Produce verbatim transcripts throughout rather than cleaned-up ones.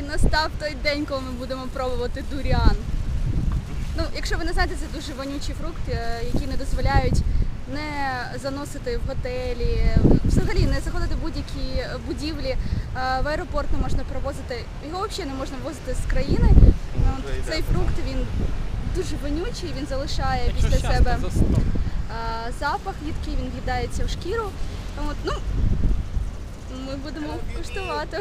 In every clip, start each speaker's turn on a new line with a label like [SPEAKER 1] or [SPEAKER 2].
[SPEAKER 1] настав той день, коли ми будемо пробувати дуріан. Ну, якщо ви не знаєте, це дуже вонючий фрукт, е, який не дозволяють не заносити в готелі, взагалі не заходити в будь-які будівлі, е, в аеропорт не можна провозити, його взагалі не можна ввозити з країни. Ну, от цей фрукт, він дуже вонючий, він залишає після себе е, запах їдкий, він в'їдається в шкіру. От, ну, ми будемо куштувати.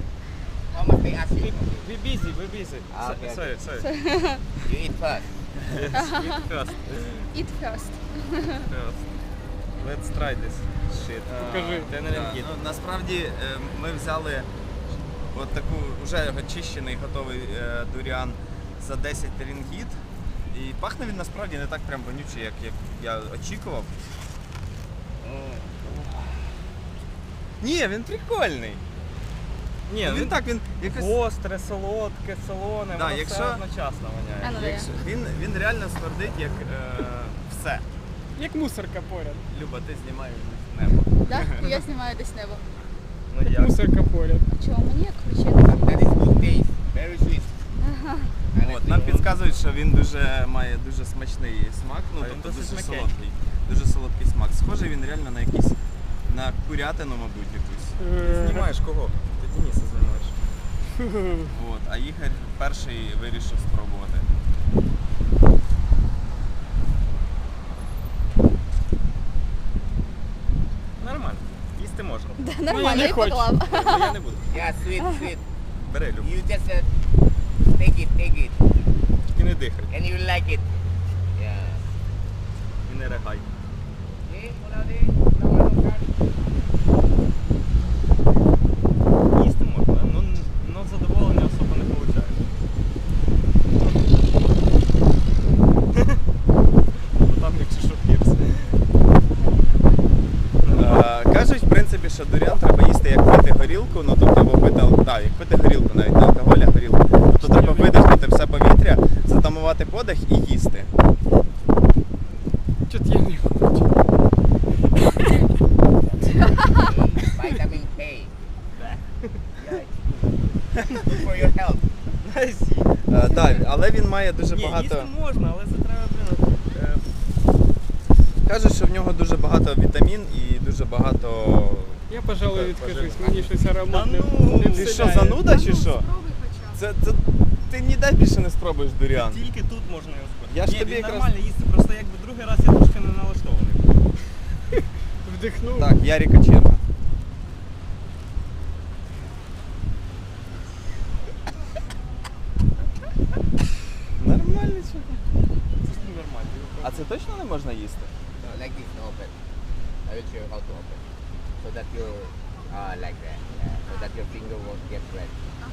[SPEAKER 2] We busy, we busy.
[SPEAKER 3] Ah, okay,
[SPEAKER 2] Sorry, sorry.
[SPEAKER 3] You eat first.
[SPEAKER 2] Yes, eat first.
[SPEAKER 1] Eat first.
[SPEAKER 2] First. Let's try this shit.
[SPEAKER 4] Покажи.
[SPEAKER 2] Ten ringgit.
[SPEAKER 5] Ну, насправді е, ми взяли от таку вже очищений, готовий е, дуріан за десять рингіт. І пахне він насправді не так прям вонючий, як, як я очікував. Ні, він прикольний.
[SPEAKER 2] Ні,
[SPEAKER 5] Він
[SPEAKER 2] він
[SPEAKER 5] так, він якось...
[SPEAKER 2] гостре, солодке, солоне,
[SPEAKER 5] Да,
[SPEAKER 2] воно
[SPEAKER 5] якщо-
[SPEAKER 2] все одночасно воняє.
[SPEAKER 1] А, ну, да.
[SPEAKER 5] Якщо- він, він реально смердить як е, все.
[SPEAKER 4] Як мусорка поряд.
[SPEAKER 5] Люба, ти знімаєш небо.
[SPEAKER 1] Да? Я знімаю десь небо.
[SPEAKER 2] Ну
[SPEAKER 4] Як
[SPEAKER 2] як?
[SPEAKER 4] мусорка поряд.
[SPEAKER 1] А чого мені як ключі?
[SPEAKER 3] That is good taste. Very sweet. And
[SPEAKER 5] От,
[SPEAKER 3] it's
[SPEAKER 5] нам
[SPEAKER 3] good.
[SPEAKER 5] підказують, що він дуже має дуже смачний смак, ну
[SPEAKER 2] А він
[SPEAKER 5] тобто
[SPEAKER 2] досить
[SPEAKER 5] дуже
[SPEAKER 2] м'який.
[SPEAKER 5] солодкий. Дуже солодкий смак. Схожий він реально на якийсь на курятину, мабуть, якусь.
[SPEAKER 4] Е,
[SPEAKER 2] Знімаєш кого? Ти Дениса знімаєш.
[SPEAKER 5] От, а Ігор перший вирішив спробувати.
[SPEAKER 2] Нормально. Їсти можна.
[SPEAKER 1] Да,
[SPEAKER 4] я
[SPEAKER 1] нормально,
[SPEAKER 4] не
[SPEAKER 1] я
[SPEAKER 4] хочу.
[SPEAKER 1] поклав.
[SPEAKER 2] Я не буду.
[SPEAKER 3] Yeah, sweet, sweet.
[SPEAKER 2] Бери, Люб.
[SPEAKER 3] You just uh, take it, take it.
[SPEAKER 2] Тільки не дихай.
[SPEAKER 3] And you will like it. Yeah.
[SPEAKER 2] І не ригай.
[SPEAKER 3] Okay, Muladi, number one.
[SPEAKER 2] Їсти можна, ну, ну задоволення особо не получаєш. Там якщо що пірс.
[SPEAKER 5] Е, Кажуть, в принципі, що дуріан треба їсти як пити горілку, ну тобто або пити, ал- да, як пити горілку, навіть не алкоголь, а горілку. Тобто треба видихнути все повітря, затамувати подих і їсти.
[SPEAKER 4] Чот я не хочу.
[SPEAKER 3] Vitamin K. Yeah, it's good. Good for your health.
[SPEAKER 5] Е, да, але він має дуже
[SPEAKER 2] Ні,
[SPEAKER 5] багато.
[SPEAKER 2] їсти можна, але це треба, блін, е,
[SPEAKER 5] Кажуть, що в нього дуже багато вітамін і дуже багато.
[SPEAKER 4] Я, пожалуй,
[SPEAKER 2] Так,
[SPEAKER 4] відкажусь.
[SPEAKER 2] пожалуй.
[SPEAKER 4] Мені щось аромат
[SPEAKER 2] Та
[SPEAKER 4] не,
[SPEAKER 2] ну,
[SPEAKER 4] не
[SPEAKER 5] Ти що,
[SPEAKER 4] вселяє.
[SPEAKER 5] зануда чи що?
[SPEAKER 1] Спробуй хоча б.
[SPEAKER 5] Це, це ти ніде більше не спробуєш дуріан.
[SPEAKER 2] тільки тут можна його спити.
[SPEAKER 5] Я ж
[SPEAKER 2] Ні,
[SPEAKER 5] тобі
[SPEAKER 2] він
[SPEAKER 5] якраз-
[SPEAKER 2] нормально їсти, просто якби другий раз я трошки не налаштований.
[SPEAKER 4] Вдихнув.
[SPEAKER 5] Так, Яріка черга. Нормально чого?
[SPEAKER 2] Це ж нормально.
[SPEAKER 5] А це точно не можна їсти?
[SPEAKER 3] No, like this, no open. I will show you how to open. So that you, uh, like that. Yeah. So that your finger won't get wet.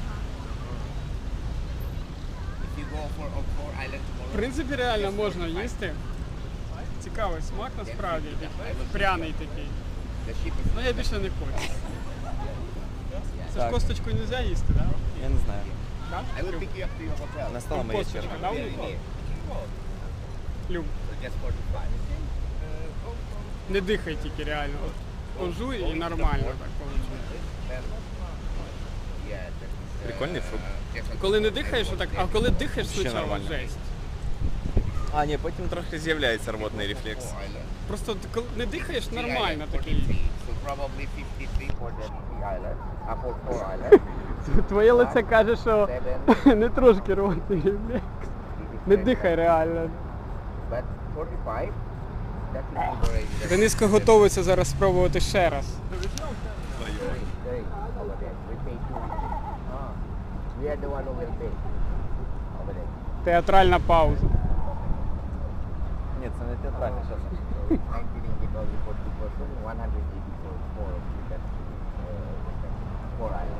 [SPEAKER 3] If you go for uh, four island
[SPEAKER 4] В
[SPEAKER 3] tomorrow,
[SPEAKER 4] принципі, реально можна їсти. Цікавий смак насправді. такий, Пряний такий.
[SPEAKER 3] the ship is.
[SPEAKER 4] Ну я більше не хочу. Це ж
[SPEAKER 5] Так.
[SPEAKER 4] косточку не можна їсти, так?
[SPEAKER 5] Я не знаю.
[SPEAKER 4] Да?
[SPEAKER 3] I will pick you up to your hotel.
[SPEAKER 5] Настала моя
[SPEAKER 4] Косточка,
[SPEAKER 5] черга.
[SPEAKER 4] да,
[SPEAKER 3] Very
[SPEAKER 4] у
[SPEAKER 3] near.
[SPEAKER 4] Люб.
[SPEAKER 3] So just forty-five.
[SPEAKER 4] Не дихай тільки реально. От пожуй і нормально так виходить.
[SPEAKER 3] Then, yeah, that is, uh,
[SPEAKER 5] Прикольний фрукт.
[SPEAKER 3] just on
[SPEAKER 4] Коли не
[SPEAKER 3] top.
[SPEAKER 4] дихаєш, отак, а коли дихаєш
[SPEAKER 5] Ще
[SPEAKER 4] спочатку,
[SPEAKER 5] нормально.
[SPEAKER 4] жесть.
[SPEAKER 5] А, ні, потім трохи з'являється рвотний рефлекс.
[SPEAKER 3] Four island.
[SPEAKER 4] Просто ти коли не дихаєш,
[SPEAKER 3] Three
[SPEAKER 4] нормально
[SPEAKER 3] island,
[SPEAKER 4] такий.
[SPEAKER 3] forty-three. So probably fifty-three for the three island. Uh, for four island.
[SPEAKER 4] Твоє лице каже, що
[SPEAKER 3] Seven.
[SPEAKER 4] не трошки рвотний рефлекс. Не дихай реально.
[SPEAKER 3] But forty-five, that is liberated.
[SPEAKER 4] Дениска готується зараз спробувати ще раз.
[SPEAKER 3] Hey, hey, over there. We pay two. Ah, we are the one who will pay. Over there.
[SPEAKER 4] Театральна пауза.
[SPEAKER 5] Ні, це не театральне зараз.
[SPEAKER 3] So it's ninety ringgit only for two person, one hundred eighty-four for that, uh, four island.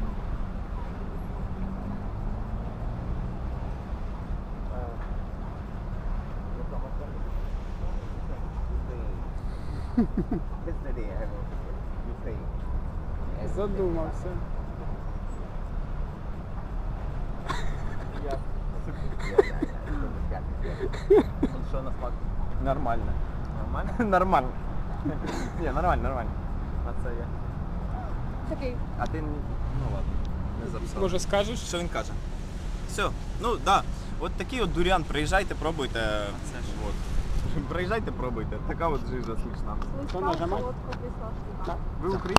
[SPEAKER 3] That's the day I have you pay. And-
[SPEAKER 4] Задумався.
[SPEAKER 3] Yeah, yeah, yeah.
[SPEAKER 5] Що на смак? Нормально. Нормально? Нормально. Ні, нормально, нормально. А це я.
[SPEAKER 1] Такий.
[SPEAKER 5] А ти, ну ладно. не записав.
[SPEAKER 4] Може скажеш?
[SPEAKER 5] Що він каже? Все, ну да. От такий от дуріан, приїжджайте, пробуйте.
[SPEAKER 2] Це ж.
[SPEAKER 5] От. Приїжджайте, пробуйте. Така от жижа смачна.
[SPEAKER 4] То нажимай.
[SPEAKER 5] Ви українці?